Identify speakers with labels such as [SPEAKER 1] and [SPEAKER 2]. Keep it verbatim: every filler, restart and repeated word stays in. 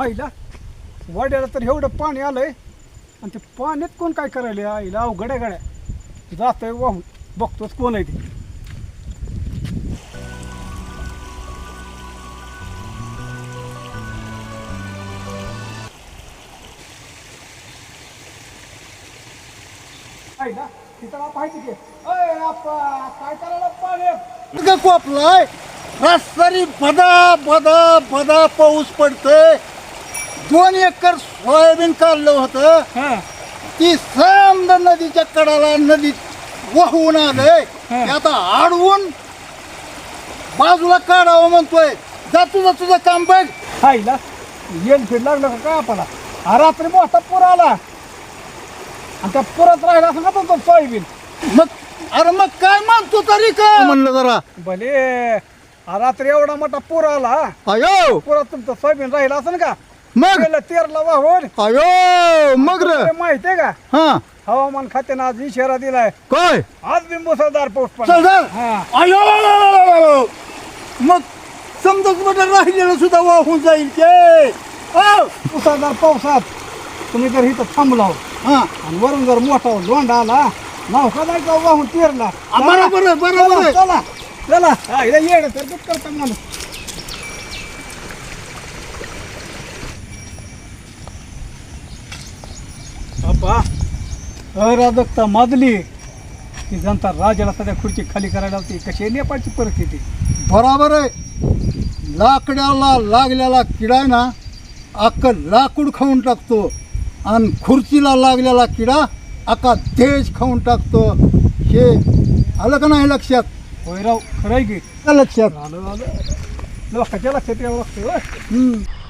[SPEAKER 1] आईला वाड्याला तर एवढं पाणी आलंय आणि ते पाण्यात कोण काय करायला आईला अवघड्या गाड्या जातोय वाहून बघतोच कोण आहे ते. आईला तिथं पाहिजे की अय आप्पा काय करायला पाण्यात
[SPEAKER 2] कोपलाय रस्तारी बदा बदा बदा पाऊस पडतोय. दोन एकर सोयाबीन काढलं होतं
[SPEAKER 1] हां
[SPEAKER 2] ती समजा नदीच्या कडाला नदीत वाहून आलंय.
[SPEAKER 1] हं.
[SPEAKER 2] ते आता आडवून बाजूला काढावं म्हणतोय. जा तुझं तुझं काम बघ.
[SPEAKER 1] आईला येल फिर लागलं का काय आपला हा रात्री मोठा पूर आला आणि त्या पुरात राहिला असं का तुमचं सोयाबीन
[SPEAKER 2] मग अरे मग काय म्हणतो तरी का म्हणलं जरा
[SPEAKER 1] भले हा रात्री एवढा मोठा पूर आला
[SPEAKER 2] अयो
[SPEAKER 1] पुरात तुमचं सोयाबीन राहिला असं का
[SPEAKER 2] मग
[SPEAKER 1] गेलं तेरला वाहून
[SPEAKER 2] अयो मग रे
[SPEAKER 1] माहिती आहे का
[SPEAKER 2] हा
[SPEAKER 1] हवामान खात्यानं आज इशारा दिलाय
[SPEAKER 2] काय
[SPEAKER 1] आज बी मुसळधार पाऊस
[SPEAKER 2] चल
[SPEAKER 1] पडणार.
[SPEAKER 2] चल.
[SPEAKER 1] हा
[SPEAKER 2] अयो मग समजा कुठं राहिलेलं सुद्धा वाहून जाईल ते. हो.
[SPEAKER 1] मुसळधार पावसात तुम्ही जर इथं थांबला
[SPEAKER 2] हा
[SPEAKER 1] आणि वरून जर मोठा लोंढा आला नाव का नाही का वाहून तेरला
[SPEAKER 2] बरोबर आहे, बरोबर आहे.
[SPEAKER 1] चला चला हा, इथं येणं तर दूध करता माणूस. अप्पा अराजकता माजली की जनता राजाला सध्या खुर्ची खाली करायला होती. कशी आहे नेपाळची परिस्थिती.
[SPEAKER 2] बरोबर आहे. लाकडाला लागलेला किडा आहे ना अख्खं लाकूड खाऊन टाकतो आणि खुर्चीला लागलेला किडा अख्खा देश खाऊन टाकतो. हे आलं का नाही लक्षात?
[SPEAKER 1] होय राव खरं आहे की
[SPEAKER 2] का लक्षात
[SPEAKER 1] आलं आलं लोकांच्या लक्षात यावं लागतं होय.
[SPEAKER 2] हम्म.